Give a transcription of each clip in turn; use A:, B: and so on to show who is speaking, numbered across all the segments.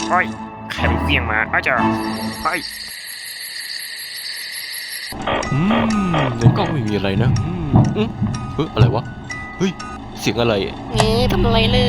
A: เฮ้ยใครมันเวียงมาอาจารย์เฮ้ย
B: ในกล้องไม่มีอะไรนะอะไรวะเฮ้ยเสียงอะไร
C: ทำอะไรเลย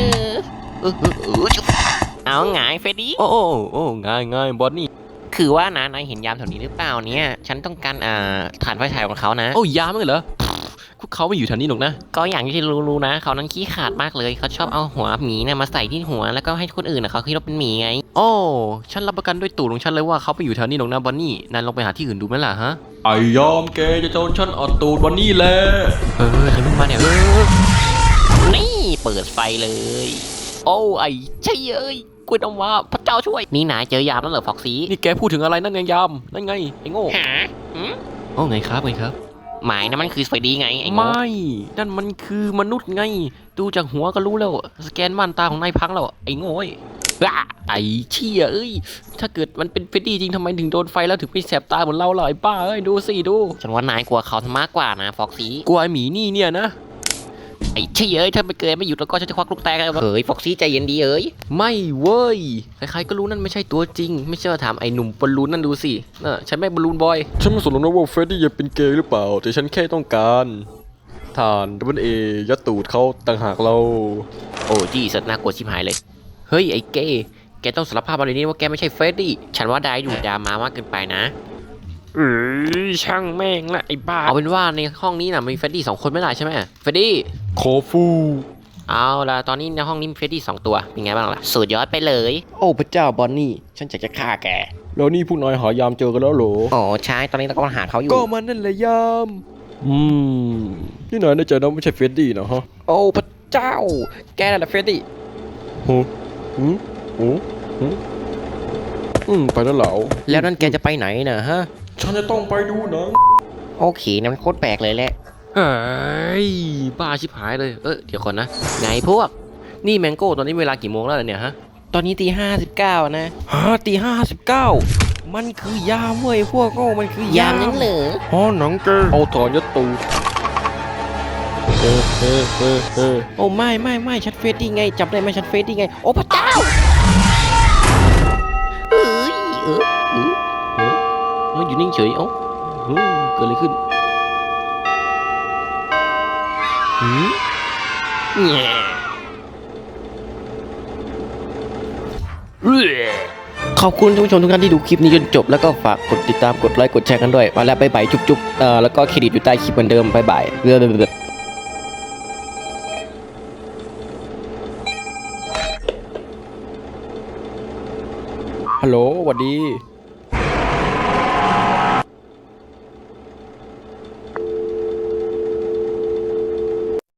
C: เอาไงเฟรดดี้
B: โอ้ง่ายบอนนี่
C: คือว่านะนายเห็นยามแถวนี้หรือเปล่าเนี่ยฉันต้องการฐานไฟฉายของเขานะ
B: โอ้ยามมั้งเหรอพวกเขาไม่อยู่แถวนี้หรอกนะ
C: ก็อย่างที่รู้นะเขานั้นขี้ขาดมากเลยเขาชอบเอาหัวหมีเนี่ยมาใส่ที่หัวแล้วก็ให้คนอื่นเขาคิดว่าเป็นหมีไง
B: โอ้ฉันรับประกันด้วยตูดของฉันเลยว่าเขาไปอยู่แถวนี้หรอกนะบอนนี่นายลองไปหาที่อื่นดูไหมล่ะฮะไอยอมแกจะโดนฉันอดตูดบอนนี่แหละ
C: ใครเพิ่งมาเนี่ยนี่เปิดไฟเลยโอ้ไอ้ใช่เอ้ยกูต้องว่าพระเจ้าช่วยนี่นายเจอยามแล้วเหรอฟ็อกซี่
B: นี่แกพูดถึงอะไรนั่นไงยามนั่นไงไอ้โง่
C: หา
B: โอ้ไงครับ
C: หมายนะมันคือเฟรดดี้ไงไอ้โง่
B: ไม่นั่นมันคือมนุษย์ไงดูจากหัวก็รู้แล้วสแกนม่านตาของนายพังแล้วไอ้โง่ไอ้เชี่ยเอ้ยถ้าเกิดมันเป็นเฟรดดี้จริงทำไมถึงโดนไฟแล้วถึงไปแสบตาเหมือนเราล่ะไอ้ป้าเอ้ยดูสิดู
C: ฉันว่านายกลัวเขามากกว่านะฟ็อกซี่
B: กลัวไอ้หมีนี่เนี่ยนะ
C: ไอ้เชี่ยเอ้ยถ้าไม่เกิดไม่หยุดแล้วก็ฉันจะควักลูกแตกเลยเฮ้ยฟ็อกซี่ใจเย็นดีเอ้ย
B: ไม่เว้ยใครๆก็รู้นั่นไม่ใช่ตัวจริงไม่เชื่อถามไอ้หนุ่มบอลลูนนั่นดูสิฉันไม่บอลลูนบอยฉันไม่สนหรอกนะว่าเฟรดดี้จะเป็นเกย์หรือเปล่าแต่ฉันแค่ต้องการฐานยัดตูดเขาต่างหากเรา
C: โอ้จี้สัตว์น่ากลัวชิบหายเลยเฮ้ยไอ้เก้แกต้องสารภาพมาเลยนี่ว่าแกไม่ใช่เฟรดดี้ฉันว่าได้ดูดามากเกินไปนะ
A: ช่างแม่งละไอ้บ้า
C: เอาเป็นว่าในห้องนี้นะมีเฟรดดี้2 คนไม่ได้ใช่ไหมเฟรดดี้
B: โคฟู
C: เอาล่ะตอนนี้ในห้องนี้มีเฟรดดี้2 ตัวเป็นไงบ้างล่ะสุดยอดไปเลย
B: โอ้พระเจ้าบอนนี่ฉันจะฆ่าแกแล้วนี่พวกนายหายามเจอกันแล้วเหรอ
C: อ๋อใช่ตอนนี้เรากำลังหาเขาอยู่
B: ก็มันนั่นแหละยามนี่นายแน่ใจนะไม่ใช่เฟรดดี้นะฮะ
C: โอ้พระเจ้าแกนั่นแหละเฟรดดี้
B: ไปแล้วเหรอ
C: แล้วนั่นแกจะไปไหนนะฮะ
B: ฉันจะต้องไปดูหนัง
C: โอเคนั่นมันโคตรแปลกเลยแหละ
B: เฮ้ยบ้าชิบหายเลยเดี๋ยวก่อนนะ
C: ไงพวก
B: นี่แมงโก้ตอนนี้เวลากี่โมงแล้วเนี่ยฮะ
C: ตอนนี้ตี 59นะ
B: ตี 59มันคือยามเว้ยพวกโง่มันคือยาม
C: นั่นเหรอ
B: หนังเกเอาถอนยัดตู
C: โอ้ไม่ฉันเฟรดดี้ไงจับได้ไหมฉันเฟรดดี้ไงโอ้พระเจ้า
B: อยู่นิ่งเฉยเกิดอะไรขึ้น
C: ขอบคุณท่านผู้ชมทุกท่านที่ดูคลิปนี้จนจบแล้วก็ฝากกดติดตามกดไลค์กดแชร์กันด้วยมาแล้วบ๊ายบายจุ๊บแล้วก็เครดิตอยู่ใต้คลิปเหมือนเดิมบ๊ายบาย
B: ฮัลโหลสวัสดี